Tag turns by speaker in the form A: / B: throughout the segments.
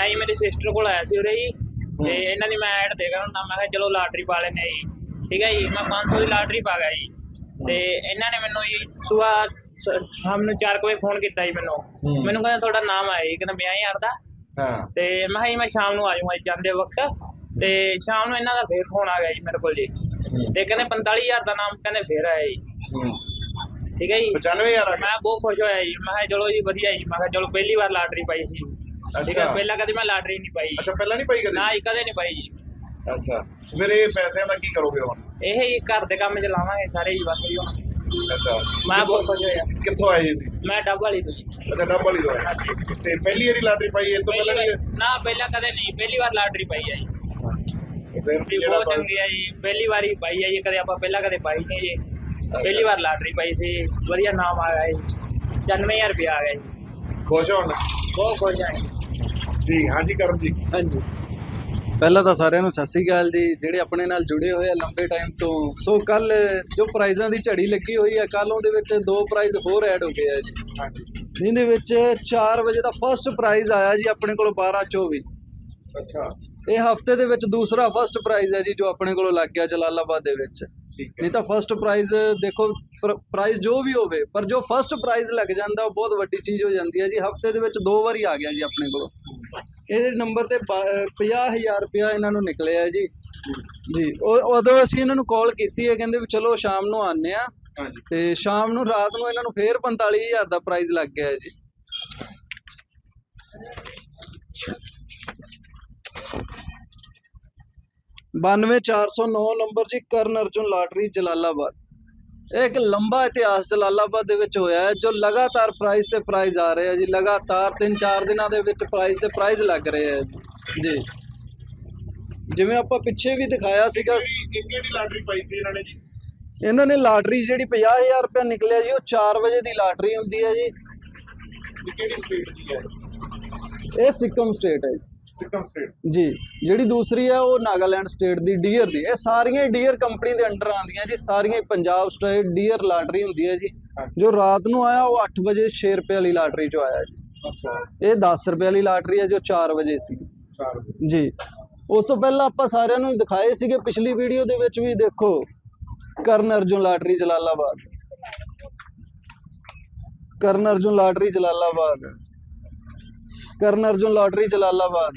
A: ਮੈਂ ਜੀ ਮੇਰੀ ਸਿਸਟਰ ਕੋਲ ਆਇਆ ਸੀ ਉਰੇ ਜੀ ਤੇ ਇਹਨਾਂ ਦੀ ਮੈਂ ਐਡ ਦੇਖ ਰਿਹਾ ਮੈਂ ਕਿਹਾ ਚਲੋ ਲਾਟਰੀ ਪਾ ਲੈਂਦੇ ਜੀ। ਠੀਕ ਹੈ ਜੀ, ਮੈਂ 500 ਦੀ ਲਾਟਰੀ ਪਾ ਗਿਆ ਜੀ ਤੇ ਇਹਨਾਂ ਨੇ ਮੈਨੂੰ ਜੀ ਸੁਬਾਹ ਸ਼ਾਮ ਨੂੰ 4 ਵਜੇ ਫੋਨ ਕੀਤਾ ਜੀ ਮੈਨੂੰ ਕਹਿੰਦਾ ਤੁਹਾਡਾ ਨਾਮ ਆਇਆ ਜੀ, ਕਹਿੰਦਾ 50,000 ਦਾ। ਤੇ ਮੈਂ ਕਿਹਾ ਜੀ ਮੈਂ ਸ਼ਾਮ ਨੂੰ ਆ ਜਾਊਂਗਾ ਜਾਂਦੇ ਵਕਤ। ਤੇ ਸ਼ਾਮ ਨੂੰ ਇਹਨਾਂ ਦਾ ਫੇਰ ਫੋਨ ਆ ਗਿਆ ਜੀ ਮੇਰੇ ਕੋਲ ਜੀ ਤੇ ਕਹਿੰਦੇ 45,000 ਦਾ ਨਾਮ ਕਹਿੰਦੇ ਫੇਰ ਆਇਆ ਜੀ। ਠੀਕ ਹੈ ਜੀ,
B: 95,000
A: ਮੈਂ ਬਹੁਤ ਖੁਸ਼ ਹੋਇਆ ਜੀ। ਮੈਂ ਕਿਹਾ ਚਲੋ ਜੀ ਵਧੀਆ ਜੀ, ਮੈਂ ਕਿਹਾ ਚਲੋ ਪਹਿਲੀ ਵਾਰ ਲਾਟਰੀ ਪਾਈ ਸੀ। ਠੀਕ ਹੈ, ਪਹਿਲਾਂ ਕਦੇ ਮੈਂ ਲਾਟਰੀ ਨਹੀਂ ਪਾਈ।
B: ਅੱਛਾ, ਪਹਿਲਾਂ ਨਹੀਂ ਪਾਈ ਕਦੇ?
A: ਨਾ ਜੀ, ਕਦੇ ਨਹੀਂ ਪਾਈ ਜੀ।
B: ਅੱਛਾ, ਫਿਰ ਇਹ ਪੈਸਿਆਂ ਦਾ ਕੀ ਕਰੋਗੇ ਹੁਣ?
A: ਇਹ ਹੀ ਘਰ ਦੇ ਕੰਮ ਚ ਲਾਵਾਂਗੇ ਸਾਰੇ ਜੀ ਬਸ ਜੀ ਹੁਣ।
B: ਅੱਛਾ,
A: ਮੈਂ ਬਹੁਤ ਖੁਸ਼ ਹੋਇਆ।
B: ਕਿੱਥੋਂ ਆਏ ਜੀ?
A: ਮੈਂ ਡੱਬ ਵਾਲੀ ਤੋਂ ਜੀ।
B: ਅੱਛਾ, ਡੱਬ ਵਾਲੀ ਤੋਂ ਆਏ। ਤੇ ਪਹਿਲੀ ਵਾਰੀ ਲਾਟਰੀ ਪਾਈ ਇਹ ਤੋਂ ਪਹਿਲਾਂ ਨਹੀਂ?
A: ਨਾ, ਪਹਿਲਾਂ ਕਦੇ ਨਹੀਂ, ਪਹਿਲੀ ਵਾਰ ਲਾਟਰੀ ਪਾਈ ਹੈ ਜੀ।
B: ਫਿਰ
A: ਬਹੁਤ ਚੰਗੀ ਹੈ ਜੀ, ਪਹਿਲੀ ਵਾਰੀ ਪਾਈ ਹੈ ਜੀ। ਕਦੇ ਆਪਾਂ ਪਹਿਲਾਂ ਕਦੇ ਪਾਈ ਨਹੀਂ ਜੀ, ਪਹਿਲੀ ਵਾਰ ਲਾਟਰੀ ਪਾਈ ਸੀ। ਵਧੀਆ ਨਾਮ ਆ ਗਿਆ ਜੀ, 95,000 ਰੁਪਇਆ ਆ ਗਿਆ ਜੀ।
B: ਖੁਸ਼ ਹੋਣ?
A: ਬਹੁਤ ਖੁਸ਼ ਹਾਂ
B: ਜੀ। ਹਾਂਜੀ ਕਰਮ ਜੀ।
C: ਹਾਂਜੀ, ਪਹਿਲਾਂ ਤਾਂ ਸਾਰਿਆਂ ਨੂੰ ਸਤਿ ਸ਼੍ਰੀ ਅਕਾਲ ਜੀ, ਜਿਹੜੇ ਆਪਣੇ ਨਾਲ ਜੁੜੇ ਹੋਏ ਆ ਲੰਬੇ ਟਾਈਮ ਤੋਂ। ਸੋ ਕੱਲ ਜੋ ਪ੍ਰਾਈਜ਼ਾਂ ਦੀ ਝੜੀ ਲੱਗੀ ਹੋਈ ਹੈ, ਕੱਲ ਉਹਦੇ ਵਿੱਚ 2 ਪ੍ਰਾਈਜ਼ ਹੋਰ ਐਡ ਹੋ ਗਏ ਆ ਜੀ। ਜਿਹਦੇ ਵਿੱਚ 4 ਵਜੇ ਦਾ ਫਸਟ ਪ੍ਰਾਈਜ਼ ਆਇਆ ਜੀ ਆਪਣੇ ਕੋਲ 1224।
B: ਅੱਛਾ,
C: ਇਹ ਹਫਤੇ ਦੇ ਵਿੱਚ ਦੂਸਰਾ ਫਸਟ ਪ੍ਰਾਈਜ਼ ਹੈ ਜੀ ਜੋ ਆਪਣੇ ਕੋਲੋਂ ਲੱਗ ਗਿਆ ਜਲਾਲਾਬਾਦ ਦੇ ਵਿੱਚ। ਨਹੀਂ ਤਾਂ ਫਸਟ ਪ੍ਰਾਈਜ਼ ਦੇਖੋ, ਪ੍ਰਾਈਜ਼ ਜੋ ਵੀ ਹੋਵੇ, ਪਰ ਜੋ ਫਸਟ ਪ੍ਰਾਈਜ਼ ਲੱਗ ਜਾਂਦਾ ਉਹ ਬਹੁਤ ਵੱਡੀ ਚੀਜ਼ ਹੋ ਜਾਂਦੀ ਹੈ ਜੀ। ਹਫਤੇ ਦੇ ਵਿੱਚ 2 ਵਾਰੀ ਆ ਗਿਆ ਜੀ ਆਪਣੇ ਕੋਲੋਂ। ਇਹਦੇ ਨੰਬਰ ਤੇ 50,000 ਰੁਪਇਆ ਇਹਨਾਂ ਨੂੰ ਨਿਕਲਿਆ ਜੀ। ਉਦੋਂ ਅਸੀਂ ਇਹਨਾਂ ਨੂੰ ਕਾਲ ਕੀਤੀ ਹੈ, ਕਹਿੰਦੇ ਵੀ ਚਲੋ ਸ਼ਾਮ ਨੂੰ ਆਉਂਦੇ ਆ। ਤੇ ਸ਼ਾਮ ਨੂੰ ਰਾਤ ਨੂੰ ਇਹਨਾਂ ਨੂੰ ਫੇਰ 45,000 ਦਾ ਪ੍ਰਾਈਜ਼ ਲੱਗ ਗਿਆ ਜੀ। (92,409) ਨੰਬਰ ਜੀ, ਕਰਨ ਅਰਜੁਨ ਲਾਟਰੀ ਜਲਾਲਾਬਾਦ। ਇਹ ਇੱਕ ਲੰਬਾ ਇਤਿਹਾਸ ਜਲਾਲਾਬਾਦ ਦੇ ਵਿੱਚ ਹੋਇਆ ਹੈ, ਜੋ ਲਗਾਤਾਰ ਪ੍ਰਾਈਜ਼ ਤੇ ਪ੍ਰਾਈਜ਼ ਆ ਰਹੇ ਆ ਜੀ। ਲਗਾਤਾਰ 3-4 ਦਿਨਾਂ ਦੇ ਵਿੱਚ ਪ੍ਰਾਈਜ਼ ਤੇ ਪ੍ਰਾਈਜ਼ ਲੱਗ ਰਹੇ ਆ ਜੀ। ਜਿਵੇਂ ਆਪਾਂ ਪਿੱਛੇ ਵੀ ਦਿਖਾਇਆ ਸੀਗਾ।
B: ਕਿਹੜੀ ਲਾਟਰੀ ਪਾਈ ਸੀ ਇਹਨਾਂ ਨੇ ਜੀ?
C: ਇਹਨਾਂ ਨੇ ਲਾਟਰੀ ਜਿਹੜੀ 50,000 ਰੁਪਇਆ ਨਿਕਲਿਆ ਜੀ, ਉਹ 4 ਵਜੇ ਦੀ ਲਾਟਰੀ ਹੁੰਦੀ ਹੈ ਜੀ।
B: ਕਿਹੜੀ ਸਟੇਟ ਦੀ ਹੈ?
C: ਇਹ ਸਿੱਕਮ ਸਟੇਟ ਹੈ
B: ਸਿੱਕਮ ਸਟੇਟ
C: ਜੀ। ਜਿਹੜੀ ਦੂਸਰੀ ਹੈ ਉਹ ਨਾਗਾਲੈਂਡ ਸਟੇਟ ਦੀ ਡੀਅਰ ਦੀ। ਇਹ ਸਾਰੀਆਂ ਡੀਅਰ ਕੰਪਨੀ ਦੇ ਅੰਡਰ ਆਉਂਦੀਆਂ ਜੀ। ਸਾਰੀਆਂ ਪੰਜਾਬ ਸਟੇਟ ਡੀਅਰ ਲਾਟਰੀ ਹੁੰਦੀ ਹੈ ਜੀ। ਜੋ ਰਾਤ ਨੂੰ ਆਇਆ ਉਹ 8 ਵਜੇ 6 ਰੁਪਏ ਵਾਲੀ ਲਾਟਰੀ ਚੋਂ ਆਇਆ ਜੀ।
B: ਅੱਛਾ,
C: ਇਹ 10 ਰੁਪਏ ਵਾਲੀ ਲਾਟਰੀ ਹੈ ਜੋ 4 ਵਜੇ ਸੀ
B: 4 ਵਜੇ
C: ਜੀ। ਉਸ ਤੋਂ ਪਹਿਲਾਂ ਆਪਾਂ ਸਾਰਿਆਂ ਨੂੰ ਦਿਖਾਏ ਸੀਗੇ ਪਿਛਲੀ ਵੀਡੀਓ ਦੇ ਵਿੱਚ ਵੀ। ਦੇਖੋ, ਕਰਨ ਅਰਜੁਨ ਲਾਟਰੀ ਜਲਾਲਾਬਾਦ, ਕਰਨ ਅਰਜੁਨ ਲਾਟਰੀ ਜਲਾਲਾਬਾਦ, ਕਰਨ ਅਰਜੁਨ ਲਾਟਰੀ ਜਲਾਲਾਬਾਦ,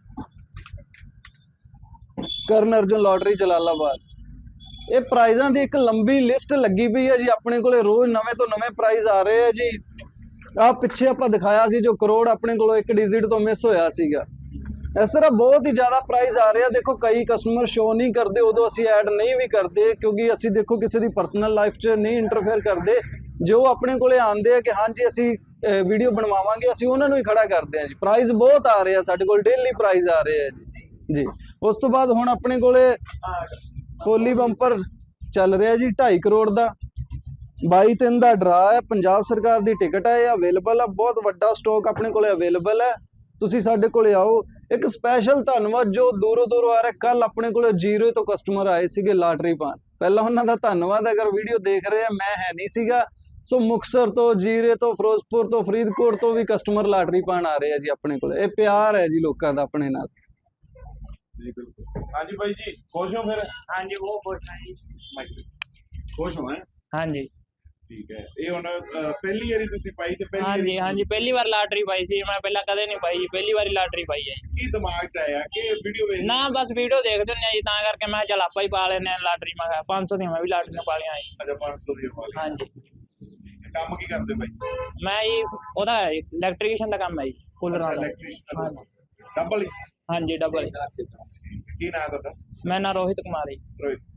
C: ਕਰਨ ਅਰਜੁਨ ਲਾਟਰੀ ਜਲਾਲਾਬਾਦ। ਇਹ ਪ੍ਰਾਈਜ਼ਾਂ ਦੀ ਇੱਕ ਲੰਬੀ ਲਿਸਟ ਲੱਗੀ ਪਈ ਹੈ ਜੀ ਆਪਣੇ ਕੋਲੇ। ਰੋਜ਼ ਨਵੇਂ ਤੋਂ ਨਵੇਂ ਪ੍ਰਾਈਜ਼ ਆ ਰਹੇ ਆ ਜੀ। ਆਹ ਪਿੱਛੇ ਆਪਾਂ ਦਿਖਾਇਆ ਸੀ ਜੋ ਕਰੋੜ ਆਪਣੇ ਕੋਲੋਂ 1 ਡਿਜਿਟ ਤੋਂ ਮਿਸ ਹੋਇਆ ਸੀਗਾ। ਇਸ ਤਰ੍ਹਾਂ ਬਹੁਤ ਹੀ ਜ਼ਿਆਦਾ ਪ੍ਰਾਈਜ਼ ਆ ਰਹੇ ਆ। ਦੇਖੋ, ਕਈ ਕਸਟਮਰ ਸ਼ੋ ਨਹੀਂ ਕਰਦੇ, ਉਦੋਂ ਅਸੀਂ ਐਡ ਨਹੀਂ ਵੀ ਕਰਦੇ, ਕਿਉਂਕਿ ਅਸੀਂ ਦੇਖੋ ਕਿਸੇ ਦੀ ਪਰਸਨਲ ਲਾਈਫ 'ਚ ਨਹੀਂ ਇੰਟਰਫੇਅਰ ਕਰਦੇ। ਜੋ ਆਪਣੇ ਕੋਲੇ ਆਉਂਦੇ ਆ ਕਿ ਹਾਂਜੀ ਅਸੀਂ ਵੀਡੀਓ ਬਣਵਾਵਾਂਗੇ, ਅਸੀਂ ਉਹਨਾਂ ਨੂੰ ਹੀ ਖੜਾ ਕਰਦੇ ਆ ਜੀ। ਪ੍ਰਾਈਜ਼ ਬਹੁਤ ਆ ਰਹੇ ਆ ਸਾਡੇ ਕੋਲ, ਡੇਲੀ ਪ੍ਰਾਈਜ਼ ਆ ਰਹੇ ਆ ਜੀ। ਉਸ ਤੋਂ ਬਾਅਦ ਹੁਣ ਆਪਣੇ ਕੋਲੇ ਹੋਲੀ ਬੰਪਰ ਚੱਲ ਰਿਹਾ ਜੀ 2.5 ਕਰੋੜ ਦਾ। 22/3 ਦਾ ਡਰਾ ਹੈ, ਪੰਜਾਬ ਸਰਕਾਰ ਦੀ ਟਿਕਟ ਹੈ, ਇਹ ਅਵੇਲੇਬਲ ਹੈ। ਬਹੁਤ ਵੱਡਾ ਸਟਾਕ ਆਪਣੇ ਕੋਲੇ ਅਵੇਲੇਬਲ ਹੈ, ਤੁਸੀਂ ਸਾਡੇ ਕੋਲੇ ਆਓ। ਇੱਕ ਸਪੈਸ਼ਲ ਧੰਨਵਾਦ ਜੋ ਦੂਰੋਂ ਦੂਰੋਂ ਆ ਰਿਹਾ। ਕੱਲ ਆਪਣੇ ਕੋਲੇ 0 ਤੋਂ ਕਸਟਮਰ ਆਏ ਸੀਗੇ ਲਾਟਰੀ ਪਾਉਣ। ਪਹਿਲਾਂ ਉਹਨਾਂ ਦਾ ਧੰਨਵਾਦ। ਅਗਰ ਵੀਡੀਓ ਦੇਖ ਰਹੇ ਆ, ਮੈਂ ਹੈ ਨਹੀਂ ਸੀਗਾ। ਸੋ ਮੁਕਤਸਰ ਤੋਂ, ਜੀਰੇ ਤੋਂ, ਫਿਰੋਜ਼ਪੁਰ ਤੋਂ, ਫਰੀਦਕੋਟ ਤੋਂ ਵੀ ਕਸਟਮਰ ਲਾਟਰੀ ਪਾਉਣ ਆ ਰਹੇ ਆ ਜੀ ਆਪਣੇ ਕੋਲੇ। ਇਹ ਪਿਆਰ ਹੈ ਜੀ ਲੋਕਾਂ ਦਾ ਆਪਣੇ ਨਾਲ
B: ਜੀ। ਬਿਲਕੁਲ। ਹਾਂਜੀ ਬਾਈ ਜੀ, ਖੁਸ਼ ਹੋ ਫਿਰ?
A: ਹਾਂਜੀ, ਬਹੁਤ ਖੁਸ਼ ਹਾਂ ਜੀ।
B: ਖੁਸ਼ ਹੋ?
A: ਹਾਂਜੀ,
B: ਠੀਕ ਹੈ। ਇਹ ਹੁਣ ਪਹਿਲੀ ਵਾਰੀ ਤੁਸੀਂ ਪਾਈ ਤੇ ਪਹਿਲੀ
A: ਹਾਂਜੀ, ਪਹਿਲੀ ਵਾਰ ਲਾਟਰੀ ਪਾਈ ਸੀ ਮੈਂ। ਪਹਿਲਾਂ ਕਦੇ ਨਹੀਂ ਪਾਈ ਜੀ, ਪਹਿਲੀ ਵਾਰੀ ਲਾਟਰੀ ਪਾਈ ਹੈ ਜੀ।
B: ਕੀ ਦਿਮਾਗ 'ਚ ਆਇਆ ਕਿ ਵੀਡੀਓ ਵੇਖ?
A: ਨਾ, ਬਸ ਵੀਡੀਓ ਦੇਖਦੇ ਹੁੰਦੇ ਆ ਜੀ, ਤਾਂ ਕਰਕੇ ਮੈਂ ਚੱਲ ਆਪਾਂ ਹੀ ਪਾ ਲੈਂਦੇ ਆ ਲਾਟਰੀ। ਮੈਂ ਕਿਹਾ 500 ਦੀਆਂ ਮੈਂ ਵੀ ਲਾਟਰੀਆਂ ਪਾ ਲਈਆਂ ਜੀ।
B: ਅੱਛਾ, 500 ਦੀ ਪਾ ਲਈ।
A: ਹਾਂਜੀ।
B: ਕੰਮ ਕੀ ਕਰਦੇ ਬਾਈ?
A: ਮੈਂ ਜੀ ਉਹਦਾ ਇਲੈਕਟ੍ਰੀਸ਼ੀਅਨ ਦਾ ਕੰਮ ਹੈ ਜੀ, ਕੂਲਰਾਂ ਦਾ।
B: ਡਬਲ?
A: ਹਾਂਜੀ, ਡਬਲ।
B: ਕੀ ਨਾਮ ਹੈ ਤੁਹਾਡਾ?
A: ਮੈਂ ਨਾ ਰੋਹਿਤ ਕੁਮਾਰ ਜੀ।
B: ਰੋਹਿਤ।